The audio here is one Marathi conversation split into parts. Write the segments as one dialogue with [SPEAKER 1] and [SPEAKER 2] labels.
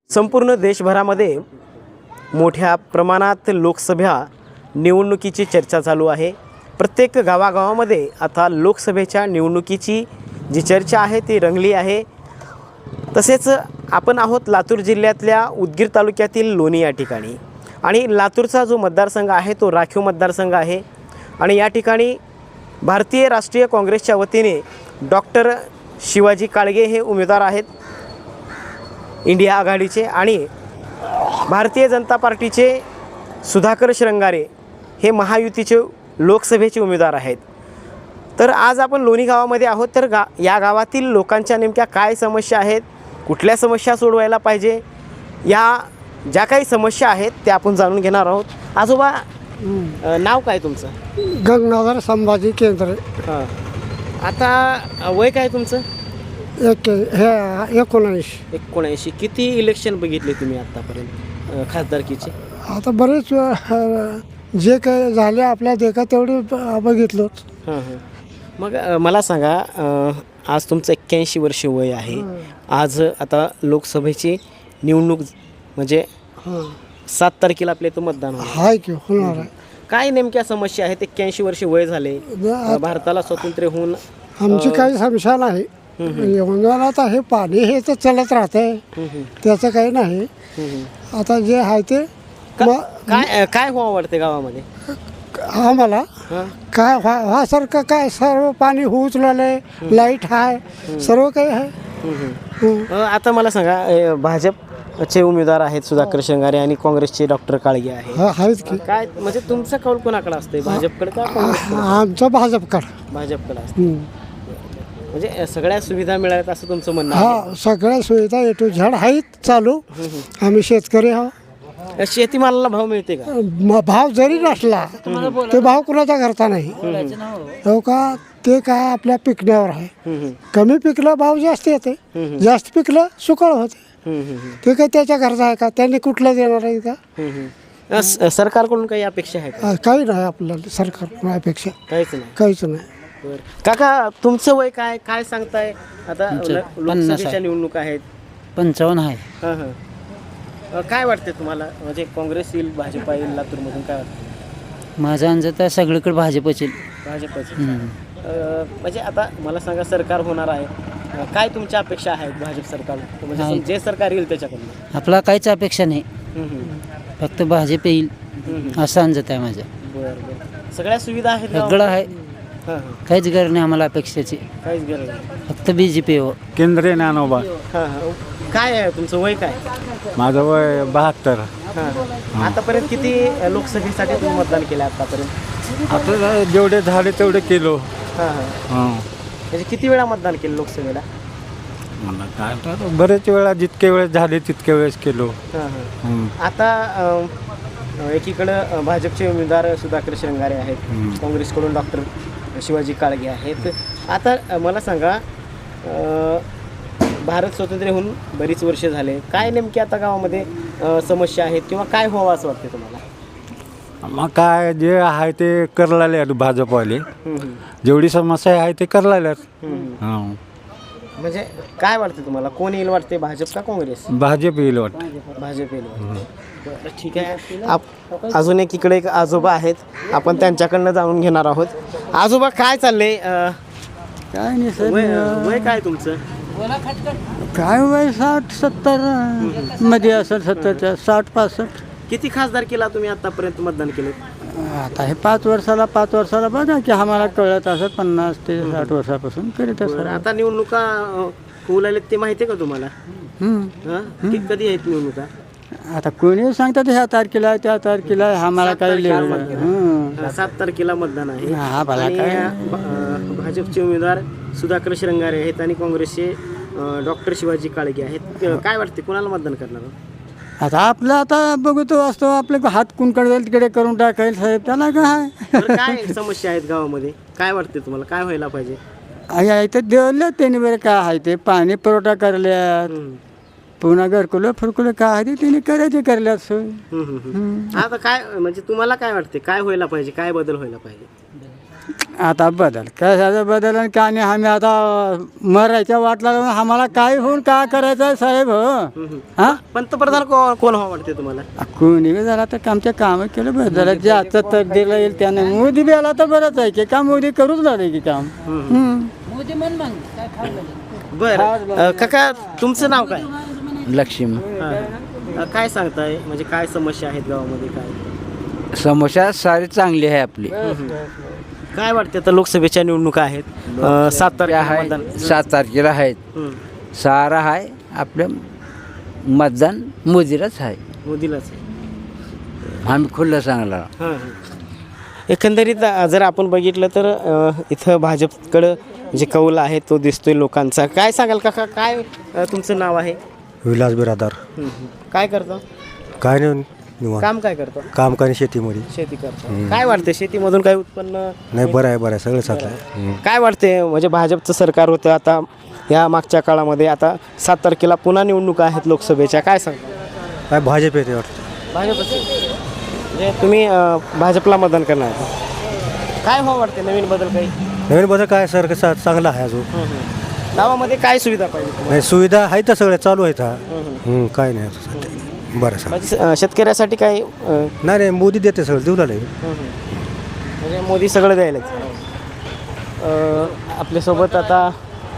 [SPEAKER 1] संपूर्ण देशभरामध्ये मोठ्या प्रमाणात लोकसभा निवडणुकीची चर्चा चालू आहे. प्रत्येक गावागावामध्ये आता लोकसभेच्या निवडणुकीची जी चर्चा आहे ती रंगली आहे. तसेच आपण आहोत लातूर जिल्ह्यातल्या उदगीर तालुक्यातील लोणी या ठिकाणी आणि लातूरचा जो मतदारसंघ आहे तो राखीव मतदारसंघ आहे आणि या ठिकाणी भारतीय राष्ट्रीय काँग्रेसच्या वतीने डॉक्टर शिवाजी काळगे हे उमेदवार आहेत इंडिया आघाडीचे आणि भारतीय जनता पार्टीचे सुधाकर श्रंगारे हे महायुतीचे लोकसभेचे उमेदवार आहेत. तर आज आपण लोणी गावामध्ये आहोत. तर या गावातील लोकांच्या नेमक्या काय समस्या आहेत, कुठल्या समस्या सोडवायला पाहिजे, या ज्या काही समस्या आहेत त्या आपण जाणून घेणार आहोत. आजोबा नाव काय तुमचं?
[SPEAKER 2] गंगाधर संभाजी केंद्रे.
[SPEAKER 1] हां, आता वय काय तुमचं?
[SPEAKER 2] 19.
[SPEAKER 1] किती इलेक्शन बघितले तुम्ही आत्तापर्यंत खासदारकीचे?
[SPEAKER 2] आता बरेच जे काही झाले आपल्या देखा तेवढे बघितलोच.
[SPEAKER 1] हां हां. मग मला सांगा, आज तुमचं 81 वर्ष वय आहे. आज आता लोकसभेची निवडणूक म्हणजे 7 तारखेला आपल्या इथं मतदान होणार
[SPEAKER 2] हाय की होणार आहे.
[SPEAKER 1] काय नेमक्या समस्या आहेत? 81 वर्ष वय झाले, भारताला स्वातंत्र्य होऊन
[SPEAKER 2] आमची काही समस्या नाही. आता हे पाणी हे तर चालत राहतंय, त्याचं काही नाही. आता जे आहे ते
[SPEAKER 1] काय काय व्हावं वाटते गावामध्ये
[SPEAKER 2] आम्हाला काय व्हासारखं काय सर्व पाणी होऊच लागलंय, लाईट आहे, सर्व काही आहे.
[SPEAKER 1] आता मला सांगा, भाजपचे उमेदवार आहेत सुधाकर श्रंगारे आणि काँग्रेसचे डॉक्टर काळगे
[SPEAKER 2] आहेत की
[SPEAKER 1] काय म्हणजे तुमचं कौल कोणाकडे असतंय, भाजपकडे का काँग्रेसकडे?
[SPEAKER 2] आमचं भाजपकडे
[SPEAKER 1] असतं. म्हणजे सगळ्या सुविधा मिळाल्यात असं तुमचं म्हणणं आहे?
[SPEAKER 2] हा, सगळ्या सुविधा ए टू झेड आहेत चालू. आम्ही शेतकरी आहोत.
[SPEAKER 1] शेतीमालाला भाव मिळते का?
[SPEAKER 2] भाव जरी नसला ते भाव कुणाचा करता नाही हो का. ते काय आपल्या पिकण्यावर आहे. कमी पिकलं भाव जास्त येते, जास्त पिकलं सुकळ होते. ते काय त्याच्या घरचा आहे का? त्यांनी कुठलं देणार आहे का?
[SPEAKER 1] सरकारकडून काही अपेक्षा आहे का?
[SPEAKER 2] काही नाही आपल्याला सरकारकडून अपेक्षा, काहीच नाही.
[SPEAKER 1] काका तुमचं वय काय काय सांगताय? आता लोकसभेच्या निवडणूक आहेत.
[SPEAKER 3] 55 आहे.
[SPEAKER 1] हां हां. काय वाटते तुम्हाला, म्हणजे काँग्रेस येईल, भाजप येईल लातूरमधून, काय वाटतं?
[SPEAKER 3] माझा अंदाज तर सगळीकडे भाजपच येईल.
[SPEAKER 1] भाजपच. म्हणजे आता मला सांगा, सरकार होणार आहे, काय तुमच्या अपेक्षा आहेत भाजप सरकार म्हणजे जे सरकार येईल त्याच्याकडून?
[SPEAKER 3] आपला काहीच अपेक्षा नाही, फक्त भाजप येईल असा अंदाज आहे माझा.
[SPEAKER 1] बरं बरं. सगळ्या सुविधा आहेत,
[SPEAKER 3] सगळं आहे, काहीच गरज नाही आम्हाला अपेक्षाची,
[SPEAKER 1] काहीच गरज नाही,
[SPEAKER 3] फक्त BJP हो.
[SPEAKER 4] केंद्रे ज्ञानोबा.
[SPEAKER 1] हां हां. काय आहे तुमचं वय काय?
[SPEAKER 4] माझं वय 72.
[SPEAKER 1] हां. आतापर्यंत किती लोकसभेसाठी तुम्ही मतदान केलं आतापर्यंत?
[SPEAKER 4] आता जेवढे झाले तेवढे केलो.
[SPEAKER 1] हां हां. म्हणजे किती वेळा मतदान केलं लोकसभेला?
[SPEAKER 4] मला काय तर बरेच वेळा, जितके वेळेस झाले तितके वेळेस केलो.
[SPEAKER 1] हां हां. आता एकीकडं भाजपचे उमेदवार सुधाकर श्रंगारे आहेत, काँग्रेसकडून डॉक्टर शिवाजी काळगे आहेत. आता मला सांगा, भारत स्वातंत्र्य होऊन बरीच वर्ष झाले, काय नेमकी आता गावामध्ये समस्या आहेत किंवा काय व्हावं असं वाटतं तुम्हाला?
[SPEAKER 4] मग काय जे आहे ते करलाले भाजपवाले, जेवढी समस्या आहे ते करलाल्यात.
[SPEAKER 1] म्हणजे काय वाटतं तुम्हाला, कोण येईल वाटते, भाजप का काँग्रेस?
[SPEAKER 4] भाजप येईल वाटतं.
[SPEAKER 1] भाजप येईल. ठीक आहे. अजून एकीकडे एक आजोबा आहेत, आपण त्यांच्याकडनं जाणून घेणार आहोत. आजोबा काय चाललंय?
[SPEAKER 3] काय नाही सर,
[SPEAKER 1] वय काय तुमचं?
[SPEAKER 3] काय वय 60-70 मध्ये असेल, 70च्या 60-65.
[SPEAKER 1] किती खासदार केला तुम्ही आतापर्यंत मतदान केलं?
[SPEAKER 3] आता हे 5 वर्षाला बघा की आम्हाला कळत असत 50 ते 60 वर्षापासून करीत असत.
[SPEAKER 1] आता निवडणुका होऊ लागल्यात ते माहिती आहे का तुम्हाला? कधी आहेत निवडणुका?
[SPEAKER 3] आता कोणी सांगतात ह्या तारखेला आहे, त्या तारखेला आहे, आम्हाला काय लिहिलं.
[SPEAKER 1] 7 तारखेला मतदान आहे.
[SPEAKER 3] हा, भला काय.
[SPEAKER 1] भाजपचे उमेदवार सुधाकर श्रंगारे आहेत आणि काँग्रेसचे डॉक्टर शिवाजी काळगे आहेत. काय वाटते, कोणाला मतदान करणार?
[SPEAKER 3] आता आपलं आता बघतो असतो, आपले हात कुणकडे जाईल तिकडे करून टाकायला साहेब, त्याला काय.
[SPEAKER 1] काय समस्या आहेत गावामध्ये, काय वाटते तुम्हाला, काय व्हायला पाहिजे?
[SPEAKER 3] इथं देवलं त्यांनी बरं काय आहे ते पाणी पुरवठा करल्यात, पुन्हा घरकुलं फुरकुलं काय आहे ते त्यांनी करायचे करल्यात सोय.
[SPEAKER 1] आता काय म्हणजे तुम्हाला काय वाटते, काय व्हायला पाहिजे, काय बदल व्हायला पाहिजे?
[SPEAKER 3] आता बदल कशाचा बदल आणि काय नाही. आम्ही आता मरायच्या वाटला लावून आम्हाला काय होऊन काय करायचं आहे साहेब हो. हा
[SPEAKER 1] पंतप्रधान कोण व्हावं वाटते तुम्हाला?
[SPEAKER 3] कोणी बी झाला तर आमच्या कामं केलं बरं झालं. ज्याचं तर दिलं येईल त्याने. मोदी बी आला तर बरंच आहे की काम. मोदी करूच लागले की काम.
[SPEAKER 1] बरं काका तुमचं नाव काय?
[SPEAKER 5] लक्ष्मी
[SPEAKER 1] काय सांगताय म्हणजे काय समस्या आहेत गावामध्ये काय?
[SPEAKER 5] समस्या सारी चांगली आहे आपली.
[SPEAKER 1] काय वाटते आता लोकसभेच्या निवडणुका आहेत 7 तारखेला मतदान.
[SPEAKER 5] 7 तारखेला आहेत.
[SPEAKER 1] हं.
[SPEAKER 5] सारा आहे आपलं मतदान मोदीलाच आहे.
[SPEAKER 1] मोदीलाच आहे.
[SPEAKER 5] आम्ही खुल्लं सांगला.
[SPEAKER 1] हां एकंदरीत जर आपण बघितलं तर इथं भाजपकडं जे कौल आहे तो दिसतोय लोकांचा. काय सांगाल काका काय तुमचं नाव आहे?
[SPEAKER 2] विलास बिरादार.
[SPEAKER 1] काय करतो?
[SPEAKER 2] काय नाही निवांत.
[SPEAKER 1] काम काय करतो?
[SPEAKER 2] काम काय शेतीमध्ये.
[SPEAKER 1] शेती करतो. काय वाटतं शेतीमधून काय उत्पन्न?
[SPEAKER 2] नाही बरं आहे सगळं चांगलं आहे.
[SPEAKER 1] काय वाटते म्हणजे भाजपचं सरकार होतं आता या मागच्या काळामध्ये आता 7 तारखेला पुन्हा निवडणुका आहेत लोकसभेच्या. काय सांगता?
[SPEAKER 2] काय भाजप येते वाटतं.
[SPEAKER 1] भाजपचं म्हणजे तुम्ही भाजपला मतदान करणार आहे. काय व्हावं वाटते नवीन बदल काही?
[SPEAKER 2] नवीन बदल काय सर कसं चांगलं आहे अजून.
[SPEAKER 1] गावामध्ये काय सुविधा पाहिजे?
[SPEAKER 2] नाही सुविधा आहे तर सगळ्या चालू आहेत. काय नाही सध्या. बरं सर.
[SPEAKER 1] म्हणजे शेतकऱ्यासाठी काय
[SPEAKER 2] नाही मोदी देते सगळं देऊ लागले.
[SPEAKER 1] म्हणजे मोदी सगळं द्यायलाच. आपल्यासोबत आता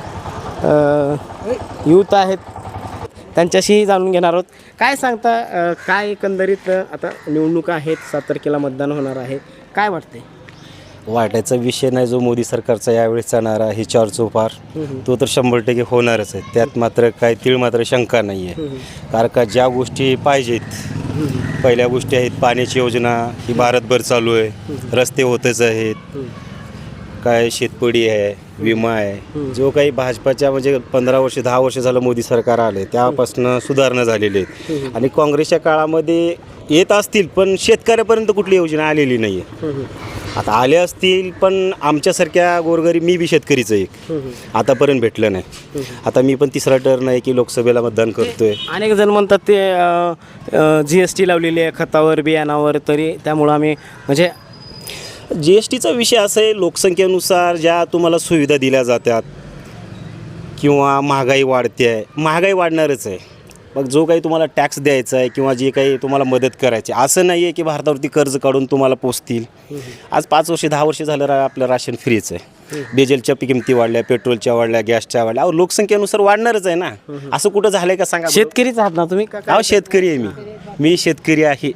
[SPEAKER 1] यूथ आहेत त्यांच्याशी जाणून घेणार आहोत. काय सांगता काय एकंदरीत आता निवडणुका आहेत 7 तारखेला मतदान होणार आहे. काय वाटते?
[SPEAKER 6] वाटायचा विषय नाही जो मोदी सरकारचा यावेळेस चालणार आहे चौपार तो तर 100% होणारच आहे. त्यात मात्र काय तीळ मात्र शंका नाही आहे. कारण का ज्या गोष्टी पाहिजेत पहिल्या गोष्टी आहेत पाण्याची योजना ही भारतभर चालू आहे. रस्ते होतच आहेत. काय शेतपडी आहे विमा आहे. जो काही भाजपाच्या म्हणजे 15 वर्ष 10 वर्ष झालं मोदी सरकार आले त्यापासून सुधारणा झालेली आहेत. आणि काँग्रेसच्या काळामध्ये येत असतील पण शेतकऱ्यापर्यंत कुठली योजना आलेली नाही आहे. आता आले असतील पण आमच्यासारख्या गोरगरीब मी बी शेतकरीचं एक आतापर्यंत भेटलं नाही. आता मी पण 3रा टर्न आहे की लोकसभेला मतदान करतोय.
[SPEAKER 1] अनेक जण म्हणतात ते GST लावलेली आहे खतावर बियाणावर तरी त्यामुळं आम्ही म्हणजे
[SPEAKER 6] GSTचा विषय असा आहे लोकसंख्येनुसार ज्या तुम्हाला सुविधा दिल्या जातात किंवा महागाई वाढते आहे. महागाई वाढणारच आहे. मग जो काही तुम्हाला टॅक्स द्यायचा आहे किंवा जे काही तुम्हाला मदत करायची असं नाही आहे की भारतावरती कर्ज काढून तुम्हाला पोचतील. आज 5 वर्ष 10 वर्ष झालं आपलं राशन फ्रीच आहे. डिझेलच्या किमती वाढल्या पेट्रोलच्या वाढल्या गॅसच्या वाढल्या. अहो लोकसंख्येनुसार वाढणारच आहे ना. असं कुठं झालं आहे का सांगा.
[SPEAKER 1] शेतकरीच आहात ना तुम्ही?
[SPEAKER 6] अहो शेतकरी आहे मी शेतकरी आहे.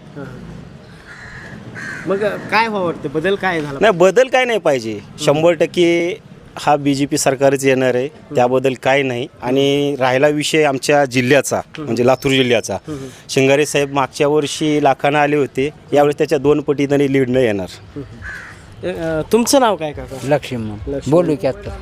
[SPEAKER 1] मग काय व्हावं वाटतं बदल काय झाला?
[SPEAKER 6] नाही बदल काय नाही पाहिजे. 100% हा BJP सरकारच येणार आहे त्याबद्दल काय नाही. आणि राहिला विषय आमच्या जिल्ह्याचा म्हणजे लातूर जिल्ह्याचा शिंगारे साहेब मागच्या वर्षी लाखानं आले होते. यावेळेस त्याच्या 2 पटीने लीड न येणार.
[SPEAKER 1] तुमचं नाव काय काका?
[SPEAKER 5] लक्ष्मी बोलू की आता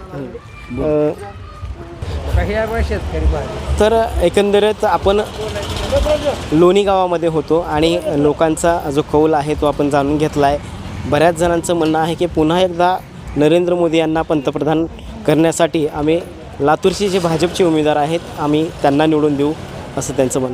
[SPEAKER 1] तर एकंदरीत आपण लोणी गावामध्ये होतो आणि लोकांचा जो कौल आहे तो आपण जाणून घेतला आहे. बऱ्याच जणांचं म्हणणं आहे की पुन्हा एकदा नरेंद्र मोदी यांना पंतप्रधान करण्यासाठी आम्ही लातूरचे जे भाजपचे उमेदवार आहेत आम्ही त्यांना निवडून देऊ असं त्यांचं म्हणणं.